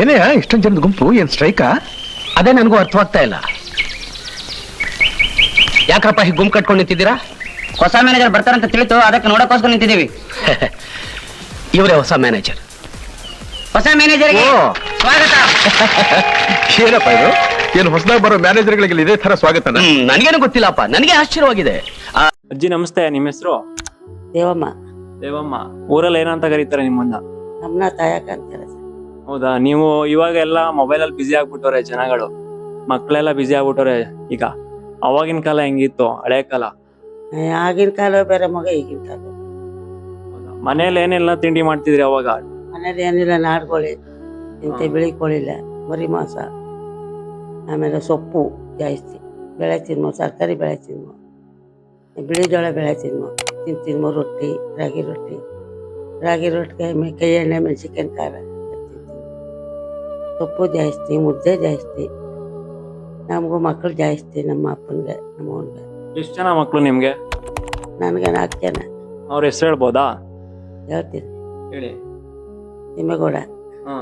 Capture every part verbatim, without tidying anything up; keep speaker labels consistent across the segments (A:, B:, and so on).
A: ಏನೇ ಇಷ್ಟೊಂದು ಜನದ ಗುಂಪು ಏನ್ ಸ್ಟ್ರೈಕಾ?
B: ಅದೇ ನನಗೂ ಅರ್ಥವಾಗ್ತಾ ಇಲ್ಲ. ಯಾಕಪ್ಪ ಹೀಗೆ ಗುಂಪು ಕಟ್ಕೊಂಡು ನಿಂತಿದ್ದೀರಾ?
C: ಹೊಸ ಮ್ಯಾನೇಜರ್ ಬರ್ತಾರಂತ ತಿಳಿತು, ಅದಕ್ಕೆ ನೋಡಕ್ಕೋಸ್ಕರ ನಿಂತಿದ್ದೀವಿ.
B: ಇವರೇ ಹೊಸ ಮ್ಯಾನೇಜರ್.
C: ಹೊಸ ಮ್ಯಾನೇಜರ್ಗೆ ಸ್ವಾಗತ.
A: ಏನಪ್ಪ ಇದು? ಏನು ಹೊಸದಾಗಿ ಬರೋ ಮ್ಯಾನೇಜರ್ಗಳಿಗೆ ಇದೇ ತರ ಸ್ವಾಗತ?
B: ನನಗೇನು ಗೊತ್ತಿಲ್ಲಪ್ಪ, ನನಗೆ ಆಶ್ಚರ್ಯವಾಗಿದೆ.
D: ಅಜ್ಜಿ ನಮಸ್ತೆ, ನಿಮ್ಮ ಹೆಸರು?
E: ದೇವಮ್ಮ.
D: ದೇವಮ್ಮ. ಊರಲ್ಲಿ ಏನಂತ ಕರೀತಾರೆ ನಿಮ್ಮನ್ನ?
E: ನಮ್ಮನ್ನ ತಾಯಕ ಅಂತಾರೆ.
D: ಹೌದಾ? ನೀವು ಇವಾಗ ಎಲ್ಲ ಮೊಬೈಲ್ ಅಲ್ಲಿ ಬಿಸಿ ಆಗ್ಬಿಟ್ಟವ್ರೆ ಜನಗಳು, ಮಕ್ಕಳೆಲ್ಲ ಬಿಸಿ ಆಗ್ಬಿಟ್ಟವ್ರೆ. ಈಗ ಅವಾಗಿನ ಕಾಲ ಹೆಂಗಿತ್ತು, ಹಳೆ ಕಾಲ?
E: ಆಗಿನ ಕಾಲ ಬೇರೆ, ಮಗ ಈಗಿನ ಕಾಲ.
D: ಮನೇಲಿ ಏನೆಲ್ಲ ತಿಂಡಿ ಮಾಡ್ತಿದ್ರಿ ಅವಾಗ?
E: ಮನೇಲಿ ಏನಿಲ್ಲ, ನಾಡ್ಕೋಳಿ ಇಂಥ ಬಿಳಿ ಕೋಳಿಲ್ಲ, ಮರಿ ಮಾಂಸ, ಆಮೇಲೆ ಸೊಪ್ಪು ಜಾಸ್ತಿ ಬೆಳೆ ತಿನ್ಮೋ, ತರಕಾರಿ ಬೆಳೆ ತಿನ್ಮೋ, ಬಿಳಿ ಜೋಳ ಬೆಳೆ ತಿನ್ಮೋ, ತಿನ್ ತಿನ್ಮೋ ರೊಟ್ಟಿ, ರಾಗಿ ರೊಟ್ಟಿ, ರಾಗಿ ರೊಟ್ಟಿಗೆ ಕೈ ಎಣ್ಣೆ ಮೆಣಸಿನ್ಕಾಯಿ ಖಾರ, ಸೊಪ್ಪು ಜಾಸ್ತಿ, ಮುದ್ದೆ ಜಾಸ್ತಿ. ನಮಗೂ ಮಕ್ಕಳು ಜಾಸ್ತಿ, ನಮ್ಮ ಅಪ್ಪನಿಗೆ ನಮ್ಮ ಅವನಿಗೆ.
D: ಎಷ್ಟು ಜನ ಮಕ್ಳು ನಿಮ್ಗೆ?
E: ನನಗೆ ನಾಲ್ಕು ಜನ.
D: ಅವ್ರ ಹೆಸರು ಹೇಳ್ಬೋದಾ?
E: ಹೇಳ್ತೀನಿ.
D: ಹೇಳಿ.
E: ತಿಮ್ಮೇಗೌಡ,
D: ಹಾ,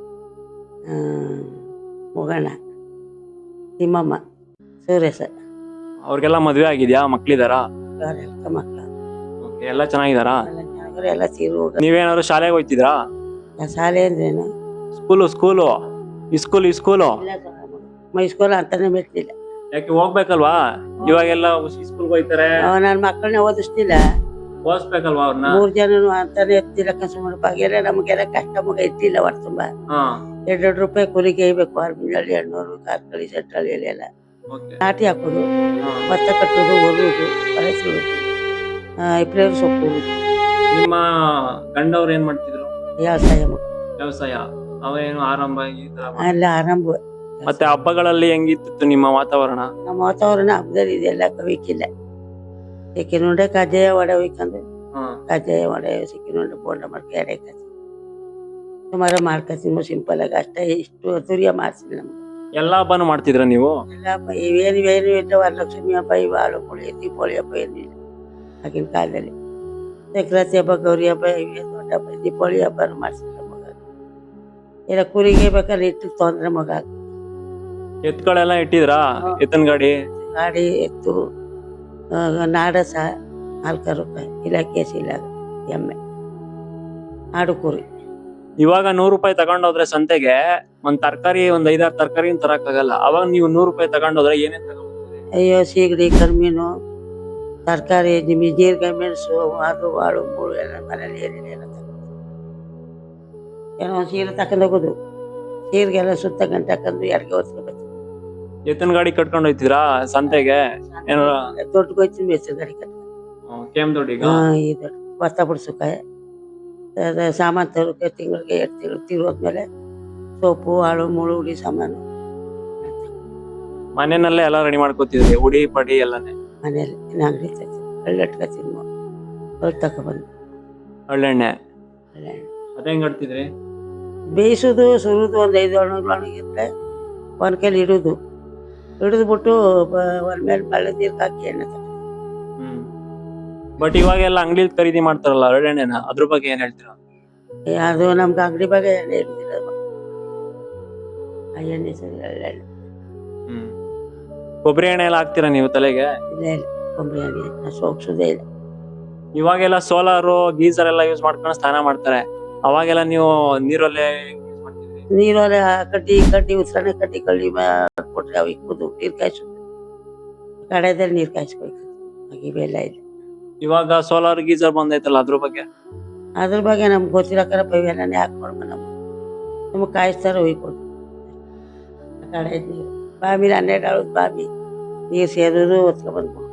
E: ಮುಗಣ್ಣ, ತಿಮ್ಮಮ್ಮ, ಸುರೇಶ.
D: ಅವ್ರಿಗೆಲ್ಲ ಮದ್ವೆ ಆಗಿದ್ಯಾ? ಮಕ್ಳಿದಾರಾ?
E: ಮಕ್ಕಳು
D: ಎಲ್ಲ ಚೆನ್ನಾಗಿದಾರಾ?
E: ಎಲ್ಲ ತೀರು.
D: ನೀವೇನಾದ್ರು ಶಾಲೆಗೆ ಹೋಗ್ತಿದ್ರಾ?
E: ಶಾಲೆ ಅಂದ್ರೇನು?
D: School school school school
E: my school ಅಂತಾನೆ ಬಿಡ್ತಿಲ್ಲ.
D: ಯಾಕೆ ಹೋಗ್ಬೇಕಲ್ವಾ? ಇವಾಗೆಲ್ಲ ಸ್ಕೂಲ್ಗೆ ಹೋಗ್ತಾರೆ.
E: ನನ್ನ ಮಕ್ಕಳನ್ನ ಓದಿಸ್ತಿಲ್ಲ,
D: ಓದಿಸ್ಬೇಕಲ್ವಾ ಅವ್ರನ್ನ?
E: ಮೂರ್ ಜನನು ಅಂತಾನೆ ಎತ್ತಿಲ್ಲ. ಕನ್ಸೂಮರ್ ಬಾಗೆಲ್ಲ ನಮಗೆಲ್ಲ ಕಷ್ಟ, ಮಗ ಎತ್ತಿಲ್ಲ. ವರ್ಷ ತುಂಬಾ ಎರಡ್ ಎರಡು ರೂಪಾಯಿ ಕೂಲಿಗೆ ಇಯ್ಬೇಕು. ಅರ್ಬಿನಹಳ್ಳಿ, ಎಣ್ಣೂರು, ಕಾರ್ಕಳಿ, ಸೆಟ್ರಳ್ಳಿ ಎಲ್ಲ ನಾಟಿ ಹಾಕೋದು, ಭತ್ತ ಕಟ್ಟೋದು, ಒರುವುದು, ಬಳಸೋದು, ಇಪ್ಲೇರು ಸೊಪ್ಪು.
D: ನಿಮ್ಮ ಗಂಡವ್ರು ಏನ್ ಮಾಡ್ತಿದ್ರು?
E: ವ್ಯವಸಾಯ ಮಗ.
D: ವ್ಯವಸಾಯ. ಅವೇನು ಆರಂಭ
E: ಅಲ್ಲ ಆರಂಭ.
D: ಮತ್ತೆ ಹಬ್ಬಗಳಲ್ಲಿ ಹೆಂಗಿತ್ತು ನಿಮ್ಮ ವಾತಾವರಣ?
E: ನಮ್ಮ ವಾತಾವರಣ ಹಬ್ಬದಲ್ಲಿ ಇದೆಲ್ಲ ಕವಿಕಿಲ್ಲ. ಸಿಕ್ಕಿನುಂಡೆ, ಕಜ್ಜಾಯ, ವಡೆ ಹೊಯ್ಕೊಂಡು, ಕಜ್ಜಾಯ, ವಡೆ, ಸಿಕ್ಕಿನುಂಡೆ, ಬೋಂಡ ಮಾಡ್ಕೊ, ಎಡೆ ಕಾಸಿ ಸುಮಾರು ಮಾಡ್ಕೊತೀನಿ. ಸಿಂಪಲ್ ಆಗಿ ಅಷ್ಟೇ, ಇಷ್ಟು ತುರಿಯ ಮಾಡ್ತೀನಿ. ನಮ್ಗೆ
D: ಎಲ್ಲಾ ಹಬ್ಬನು ಮಾಡ್ತಿದ್ರ ನೀವು?
E: ಎಲ್ಲ ಹಬ್ಬ ಇವೇನು ಏನು ಇಲ್ಲ. ವರಲಕ್ಷ್ಮಿ ಹಬ್ಬ, ಇವು ಹಾಳು ಕೋಳಿ, ದೀಪಾವಳಿ ಹಬ್ಬ ಏನಿಲ್ಲ ಆಗಿನ ಕಾಲದಲ್ಲಿ. ಸಂಕ್ರಾಂತಿ ಹಬ್ಬ, ಗೌರಿ ಹಬ್ಬ, ಇವೇ ದೊಡ್ಡ ಹಬ್ಬ. ದೀಪಾವಳಿ ಹಬ್ಬ ಮಾಡ್ಸಿಲ್ಲ ಮಗ. ಎಲ್ಲ ಕೂಲಿಗೆ ಬೇಕಾದ್ರೆ ಇಟ್ಟು ತೊಂದ್ರೆ ಮಗ.
D: ಎತ್ಗಳೆಲ್ಲ ಇಟ್ಟಿದ್ರಾ? ಎತ್ತನ್ ಗಾಡಿ
E: ಗಾಡಿ, ಎತ್ತು, ನಾಡಸ, ನಾಲ್ಕು ರೂಪಾಯಿ ಇಲಾಖೆ ಇಲ್ಲ, ಎಮ್ಮೆ, ಆಡು ಕುರಿ.
D: ಇವಾಗ ನೂರು ರೂಪಾಯಿ ತಗೊಂಡೋದ್ರೆ ಸಂತೆಗೆ ಒಂದ್ ತರಕಾರಿ, ಒಂದ್ ಐದಾರು ತರಕಾರಿ ತರಕ್ ಆಗಲ್ಲ. ಅವಾಗ ನೀವು ನೂರು ರೂಪಾಯಿ ತಗೊಂಡೋದ್ರೆ ಏನೇನ್ ತಗೊಂಡ್ರಿ?
E: ಅಯ್ಯೋ, ಸೀಗಡಿ, ಕರ್ಮೀನು, ತರಕಾರಿ, ನಿಮಗೆ ಜೀರಿಗೆ, ಮೆಣಸು, ಅದು ಆಳು ಮೂಳು ಎಲ್ಲ ಮನೇಲಿ ಏನಿಲ್ಲ ಎಲ್ಲ ತಗೊಂಡು. ಏನೋ ಸೀರೆ ತಕೊಂಡ್ ಹೋಗೋದು, ಸೀರೆಗೆಲ್ಲ ಸುತ್ತ ಗಂಟೆ ಹಾಕೊಂಡು ಎಡ್ಗೆ ಹೊತ್ಕೊಬೇಕು.
D: ಎತ್ತನ್ ಗಾಡಿ ಕಟ್ಕೊಂಡು ಹೋಯ್ತಿದ್ರಾ ಸಂತೆಗೆ? ಏನಾರ
E: ದೊಡ್ಡ ಹೋಯ್ತೀನಿ, ಬೇಸರ ಗಾಡಿ ಕಟ್ಕೊಂಡು.
D: ಕೇಮ್ ದೊಡ್ಡಿಗ
E: ಈ ದೊಡ್ಡ ಭತ್ತ ಬಿಡ್ಸೋಕೆ, ಸಾಮಾನು ತರೋಕೆ ತಿಂಗಳಿಗೆ ಎರಡು ತಿಂಗಳು ತಿರುಗೋದ್ಮೇಲೆ ಸೊಪ್ಪು, ಆಳು ಮುಳು, ಉಡಿ ಸಾಮಾನು
D: ಮನೆಯಲ್ಲೇ ಎಲ್ಲ ರೆಡಿ ಮಾಡ್ಕೋತಿದ್ರಿ, ಉಡಿ ಪಡಿ ಎಲ್ಲಾನೆ
E: ಮನೇಲಿ. ಅಂಗಡಿ ತರ್ತೀನಿ, ಹಳ್ಳಿ ಇಟ್ಕೊತೀನಿ, ಹೊಲ್ ತಗೊಬಂದು
D: ಒಳ್ಳೆಣ್ಣೆ.
E: ಹಳ್ಳೆಣ್ಣೆ
D: ಅದೇ ಹೆಂಗ್ ಕಟ್ತಿದ್ರಿ?
E: ಬೇಯಿಸೋದು, ಸುರಿದು, ಒಂದು ಐದು ಒಣಗಿದ್ರೆ ಒಣಗಿದ್ರೆ ಒಂದು ಕೈಲಿ ಇಡೋದು, ಹಿಡಿದ್ಬಿಟ್ಟು ಒಂದ್ ಮೇಲೆ ಬಳ್ಳ ನೀರ್ಗೆ ಹಾಕಿ ಎಣ್ಣೆ ತಗೊಂಡು.
D: ಹ್ಮ್. ಬಟ್ ಇವಾಗೆಲ್ಲ ಅಂಗಡಿಲಿ ಖರೀದಿ ಮಾಡ್ತಾರಲ್ಲ ಒಳ್ಳೆಣ್ಣೆನ, ಅದ್ರ ಬಗ್ಗೆ ಏನ್ ಹೇಳ್ತೀರಾ?
E: ಅದು ನಮ್ಗೆ ಅಂಗಡಿ ಬಗ್ಗೆ ಎಣ್ಣೆ ಇರುದಿಲ್ಲ, ಆ ಎಣ್ಣೆ ಸರಿ ಎಳ್ಳೆಣ್ಣೆ.
D: ಹ್ಮ್. ಕೊಬ್ಬರಿ ಎಣ್ಣೆ ಎಲ್ಲ ಹಾಕ್ತೀರಾ ನೀವು ತಲೆಗೆ?
E: ಇಲ್ಲ ಇಲ್ಲ, ಕೊಬ್ಬರಿ ಎಣ್ಣೆ ನಾವು ಸೋಗ್ಸೋದೇ ಇಲ್ಲ.
D: ಇವಾಗೆಲ್ಲ ಸೋಲಾರು, ಗೀಸರ್ ಎಲ್ಲ ಯೂಸ್ ಮಾಡ್ಕೊಂಡು ಸ್ನಾನ ಮಾಡ್ತಾರೆ. ಅವಾಗೆಲ್ಲ ನೀವು ನೀರಲ್ಲೇ ಯೂಸ್ ಮಾಡ್ತಿದ್ರಿ?
E: ನೀರಲ್ಲಿ ಕಡ್ಡಿ ಕಡ್ಡಿ ಉತ್ಸರಣೆ ಕಡ್ಡಿ ಕಳ್ಳಿ ಕೊಟ್ರೆ ಅವು ಇಕ್ಕೋದು, ನೀರು ಕಾಯಿಸೋದು, ಕಡೆದಲ್ಲಿ ನೀರು ಕಾಯಿಸ್ಬೇಕು. ಇವೆಲ್ಲ ಇಲ್ಲ.
D: ಇವಾಗ ಸೋಲಾರ್ ಗೀಸರ್ ಬಂದೈತಲ್ಲ, ಅದ್ರ ಬಗ್ಗೆ?
E: ಅದ್ರ ಬಗ್ಗೆ ನಮ್ಗೆ ಗೊತ್ತಿರಕ್ಕಾರ ಇವೆಲ್ಲನೇ ಹಾಕೊಡ್ಮ. ನಮ್ಗೆ ನಮ್ಗೆ ಕಾಯಿಸ್ತಾರೆ, ಒಯ್ಕೊಡು. ಕಡೆ ನೀರು ಬಾವಿಲಿ ಹನ್ನೆರಡು ಆಳದ ಬಾವಿ, ನೀರು ಸೇರೋದು ಹೊತ್ಕೊಬಂದ್ಬಿಡು.